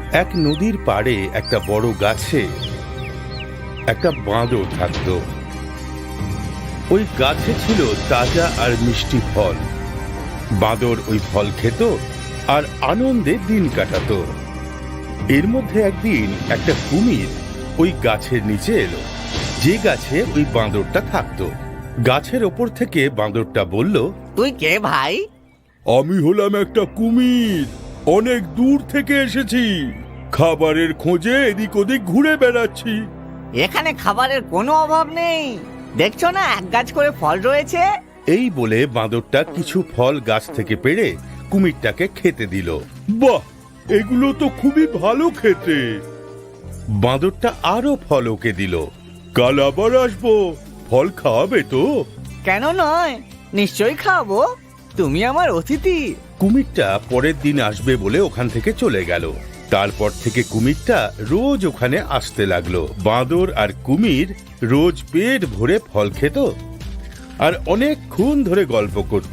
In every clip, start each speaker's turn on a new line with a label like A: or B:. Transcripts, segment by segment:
A: এক নদীর পাড়ে একটা বড় গাছে একটা বাঁদর থাকত। ওই গাছে ছিল তাজা আর মিষ্টি ফল। বাঁদর ওই ফল খেত আর আনন্দে দিন কাটাতো। এর মধ্যে একদিন একটা কুমির ওই গাছের নিচে এলো, যে গাছে ওই বাঁদরটা থাকতো। গাছের ওপর থেকে বাঁদরটা বলল,
B: তুই কে ভাই?
A: আমি হলাম একটা কুমির, অনেক দূর থেকে এসেছি, খাবারের খোঁজে এদিক ওদিক ঘুরে বেড়াচ্ছি।
B: এখানে খাবারের কোনো অভাব নেই, দেখছো না এক গাছ করে ফল রয়েছে।
A: এই বলে বাঁদরটা কিছু ফল গাছ থেকে পেড়ে কুমিরটাকে খেতে দিল। বাহ, এগুলো তো খুবই ভালো খেতে। বাঁদরটা আরো ফল ওকে দিল। কাল আবার আসবো, ফল খাওয়াবে তো?
B: কেন নয়, নিশ্চয়ই খাবো, তুমি আমার অতিথি।
A: কুমিরটা পরের দিন আসবে বলে ওখান থেকে চলে গেল। তারপর থেকে কুমিরটা রোজ ওখানে আসতে লাগলো। বাঁদর আর কুমির রোজ পেট ভরে ফল খেত আর অনেকক্ষণ ধরে গল্প করত।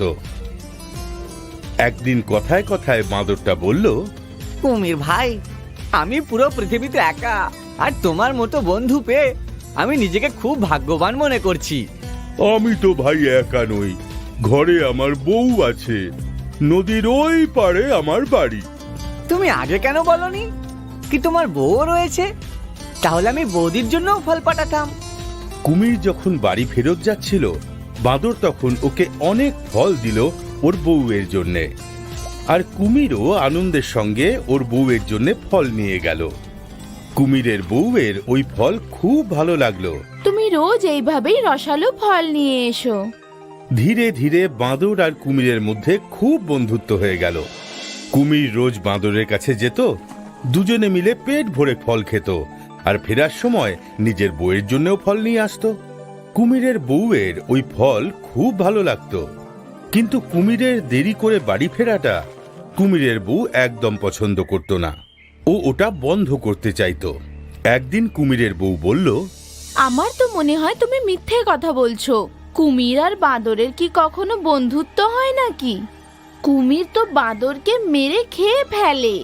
A: একদিন কথায় কথায় বাঁদরটা বলল,
B: কুমির ভাই, আমি পুরো পৃথিবীতে একা, আর তোমার মতো বন্ধু পেয়ে আমি নিজেকে খুব ভাগ্যবান মনে করছি।
A: আমি তো ভাই একা নই, ঘরে আমার বউ আছে, নদীর ওই পাড়ে আমার বাড়ি।
B: তুমি আগে কেন বলনি কি তোমার বউ রয়েছে? তাহলে আমি বৌদির জন্য ফল পাঠাতাম।
A: কুমির যখন বাড়ি ফেরত যাচ্ছিল, বাঁদর তখন ওকে অনেক ফল দিল ওর বউয়ের জন্যে। আর কুমিরও আনন্দের সঙ্গে ওর বউয়ের জন্য ফল নিয়ে গেল। কুমিরের বউয়ের ওই ফল খুব ভালো লাগলো।
C: তুমি রোজ এইভাবেই রসালো ফল নিয়ে এসো।
A: ধীরে ধীরে বাঁদর আর কুমিরের মধ্যে খুব বন্ধুত্ব হয়ে গেল। কুমির রোজ বাঁদরের কাছে যেত, দুজনে মিলে পেট ভরে ফল খেত আর ফেরার সময় নিজের বউয়ের জন্যও ফল নিয়ে আসতো। কুমিরের বউয়ের ওই ফল খুব ভালো লাগতো, কিন্তু কুমিরের দেরি করে বাড়ি ফেরাটা কুমিরের বউ একদম পছন্দ করত না। ও ওটা বন্ধ করতে চাইতো। একদিন কুমিরের বউ বলল,
C: আমার তো মনে হয় তুমি মিথ্যে কথা বলছো। কুমির আর বাঁদরের কি কখনো বন্ধুত্ব হয় নাকি? কুমির তো বাঁদরকে মেরে খেয়ে ফেলে।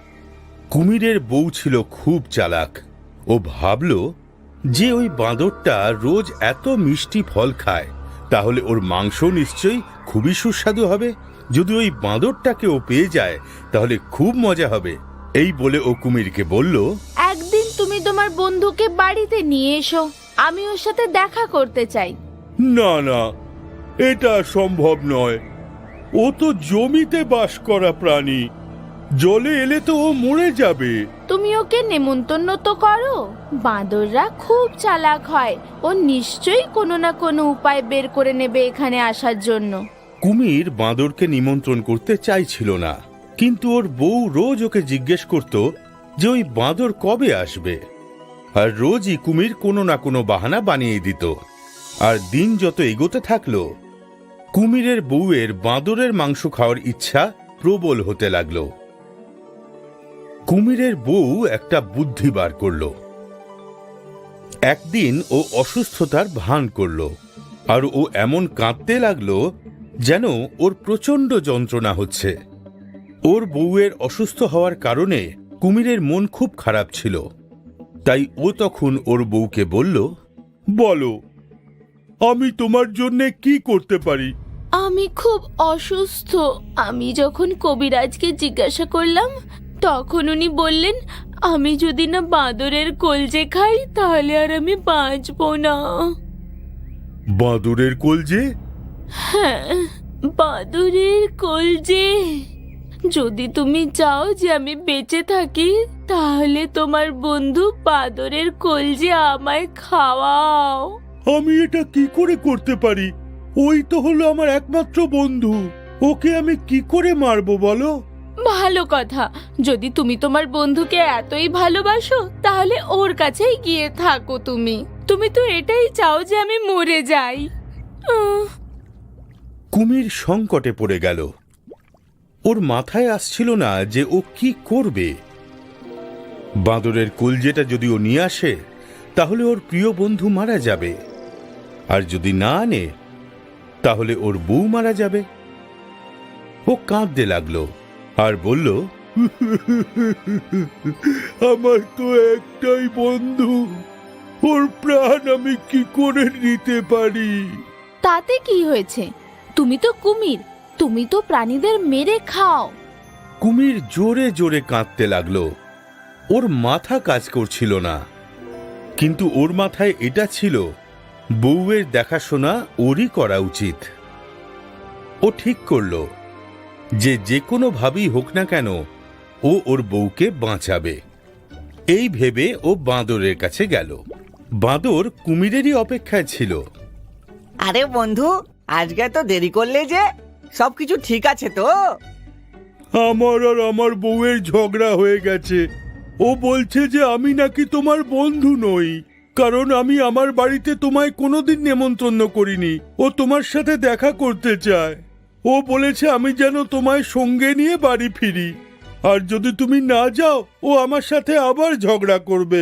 A: কুমিরের বউ ছিল খুব চালাক। ও ভাবল যে ওই বাঁদরটা রোজ এত মিষ্টি ফল খায়, তাহলে ওর মাংস নিশ্চয়ই খুবই সুস্বাদু হবে। যদি ওই বাঁদরটাকে ও পেয়ে যায় তাহলে খুব মজা হবে। এই বলে ও কুমিরকে বলল,
C: একদিন তুমি তোমার বন্ধুকে বাড়িতে নিয়ে এসো, আমি ওর সাথে দেখা করতে চাই।
A: না না, এটা সম্ভব নয়। ও তো জমিতে বাস করা প্রাণী, জলে এলে তো ও মরে যাবে।
C: তুমি ওকে নেমন্তন্ন তো করো। বাঁদররা খুব চালাক হয়, ও নিশ্চয়ই কোনো না কোনো উপায় বের করে নেবে এখানে আসার জন্য।
A: কুমির বাঁদরকে নিমন্ত্রণ করতে চাইছিল না, কিন্তু ওর বউ রোজ ওকে জিজ্ঞেস করত যে ওই বাঁদর কবে আসবে। আর রোজই কুমির কোনো না কোনো বাহানা বানিয়ে দিত। আর দিন যত এগোতে থাকলো, কুমিরের বউয়ের বাঁদরের মাংস খাওয়ার ইচ্ছা প্রবল হতে লাগলো। কুমিরের বউ একটা বুদ্ধি বার করলো। একদিন ও অসুস্থতার ভান করলো, আর ও এমন কাঁদতে লাগলো যেন ওর প্রচন্ড যন্ত্রণা হচ্ছে। ওর বউয়ের অসুস্থ হওয়ার কারণে কুমিরের মন খুব খারাপ ছিল। তাই ও তখন ওর বউকে বলল, বলো, আমি তোমার জন্য কি করতে পারি?
C: আমি খুব অসুস্থ। আমি যখন কবিরাজকে জিজ্ঞাসা করলাম, তখন উনি বললেন আমি যদি না বাঁদরের কলজে খাই তাহলে আর আমি বাঁচবো না।
A: বাঁদরের কলজে?
C: হ্যাঁ, বাঁদরের কলজে। যদি তুমি চাও যে আমি বেঁচে থাকি, তাহলে তোমার বন্ধু বাঁদরের কলজে আমায় খাওয়াও।
A: আমি এটা কি করে করতে পারি? ওই তো হলো আমার একমাত্র বন্ধু, ওকে আমি কি করে মারবো বলো?
C: ভালো কথা, যদি তুমি তোমার বন্ধুকে এতই ভালোবাসো তাহলে ওর কাছেই গিয়ে থাকো। তুমি তো এটাই চাও যে আমি মরে যাই।
A: কুমির সংকটে পড়ে গেল। ওর মাথায় আসছিল না যে ও কি করবে। বাঁদরের কলজেটা যদি ও নিয়ে আসে তাহলে ওর প্রিয় বন্ধু মারা যাবে, আর যদি না আনে তাহলে ওর বউ মারা যাবে। ও কাঁদতে লাগলো আর বলল, আমার তো একটাই বন্ধু, ওর প্রাণ আমি কি করে নিতে পারি?
C: তাতে কি হয়েছে? তুমি তো কুমির, তুমি তো প্রাণীদের মেরে খাও।
A: কুমির জোরে জোরে কাঁদতে লাগলো। ওর মাথা কাজ করছিল না, কিন্তু ওর মাথায় এটা ছিল, বউয়ের দেখাশোনা ওরই করা উচিত। ও ঠিক করলো যে যে কোনো ভাবেই হোক না কেন ও ওর বউকে বাঁচাবে। এই ভেবে ও বাঁদরের কাছে গেল। বাঁদর কুমিরেরই অপেক্ষায় ছিল।
B: আরে বন্ধু, আজকে তো দেরি করলে যে, সবকিছু ঠিক আছে তো?
A: আমার আর আমার বউয়ের ঝগড়া হয়ে গেছে। ও বলছে যে আমি নাকি তোমার বন্ধু নই, কারণ আমি আমার বাড়িতে তোমায় কোনোদিন নেমন্তন্ন করিনি। ও তোমার সাথে দেখা করতে চায়। ও বলেছে আমি যেন তোমায় সঙ্গে নিয়ে বাড়ি ফিরি, আর যদি তুমি না যাও ও আমার সাথে আবার ঝগড়া করবে।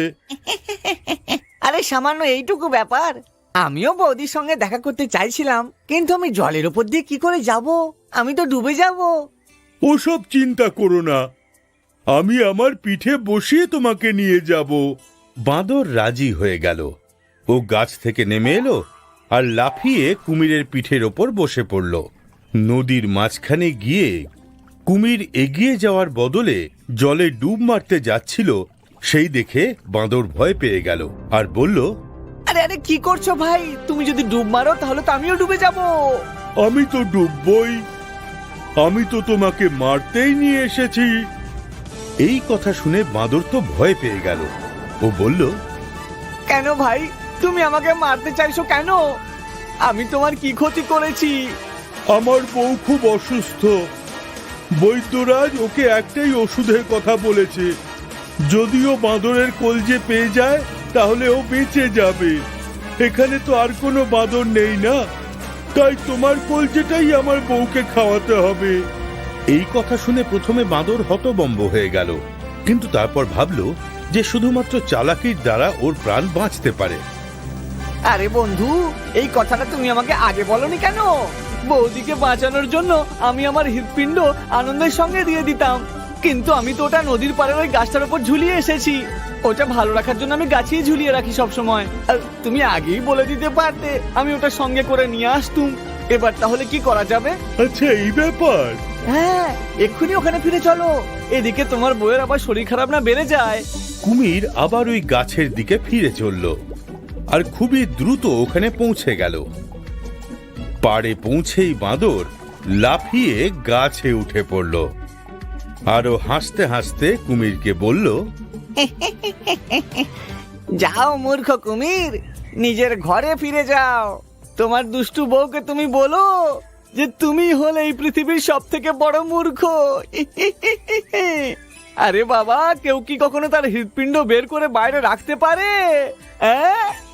B: আরে সামান্য এইটুকু ব্যাপার। আমিও বৌদির সঙ্গে দেখা করতে চাইছিলাম, কিন্তু আমি জলের উপর দিয়ে কি করে যাব? আমি তো ডুবে যাব।
A: ওসব চিন্তা করো না, আমি আমার পিঠে বসিয়ে তোমাকে নিয়ে যাব। বাঁদর রাজি হয়ে গেল। ও গাছ থেকে নেমে এলো আর লাফিয়ে কুমিরের পিঠের ওপর বসে পড়ল। নদীর মাঝখানে গিয়ে কুমির এগিয়ে যাওয়ার বদলে জলে ডুব মারতে যাচ্ছিল, সেই দেখে বাঁদর ভয় পেয়ে গেল আর বলল,
B: আরে আরে কি করছো ভাই? তুমি যদি ডুব মারো তাহলে তো আমিও ডুবে যাব।
A: আমি তো ডুববই, আমি তো তোমাকে মারতেই নিয়ে এসেছি। এই কথা শুনে বাঁদর তো ভয় পেয়ে গেল। ও বলল,
B: কেন ভাই, তুমি আমাকে মারতে চাইছো কেন? আমি তোমার কি ক্ষতি করেছি?
A: আমার বউ খুব অসুস্থ। বৈদ্যরাজ ওকে একটাই ওষুধের কথা বলেছে, যদিও বাঁদরের কলজে পেয়ে যায় তাহলে ও বেঁচে যাবে। এখানে তো আর কোনো বাঁদর নেই না, তাই তোমার কলজেটাই আমার বউকে খাওয়াতে হবে। এই কথা শুনে প্রথমে বাঁদর হতবম্ব হয়ে গেল, কিন্তু তারপর ভাবলো যে শুধুমাত্র চালাকির দ্বারা ওর প্রাণ বাঁচতে পারে।
B: আরে বন্ধু, এই কথাটা তুমি আমাকে আগে বলনি কেন? বৌদিকে বাঁচানোর জন্য আমি আমার হৃৎপিণ্ড আনন্দের সঙ্গে দিয়ে দিতাম, কিন্তু আমি তো ওটা নদীর পাড়ের ওই গাছটার উপর ঝুলিয়ে এসেছি। ওটা ভালো রাখার জন্য আমি গাছেই ঝুলিয়ে রাখি সব সময়। তুমি আগেই বলে দিতে পারতে, আমি ওটা সঙ্গে করে নিয়ে আসতুম। এবার তাহলে কি করা যাবে?
A: আচ্ছা, এই ব্যাপার।
B: হ্যাঁ, এক্ষুনি ওখানে ফিরে চলো। এদিকে তোমার বউয়ের আবার শরীর খারাপ না বেড়ে যায়।
A: কুমির আবার ওই গাছের দিকে ফিরে চলল আর খুবই দ্রুত ওখানে পৌঁছে গেল। পাড়ে পৌঁছেই বাঁদর লাফিয়ে গাছে উঠে পড়ল আরো হাসতে হাসতে কুমিরকে বলল,
B: যাও মূর্খ কুমির, নিজের ঘরে ফিরে যাও। তোমার দুষ্টু বউকে তুমি বলো যে তুমি হলে এই পৃথিবীর সব থেকে বড় মূর্খ। আরে বাবা, কেউ কি কখনো তার হৃৎপিণ্ড বের করে বাইরে রাখতে পারে? হ্যাঁ?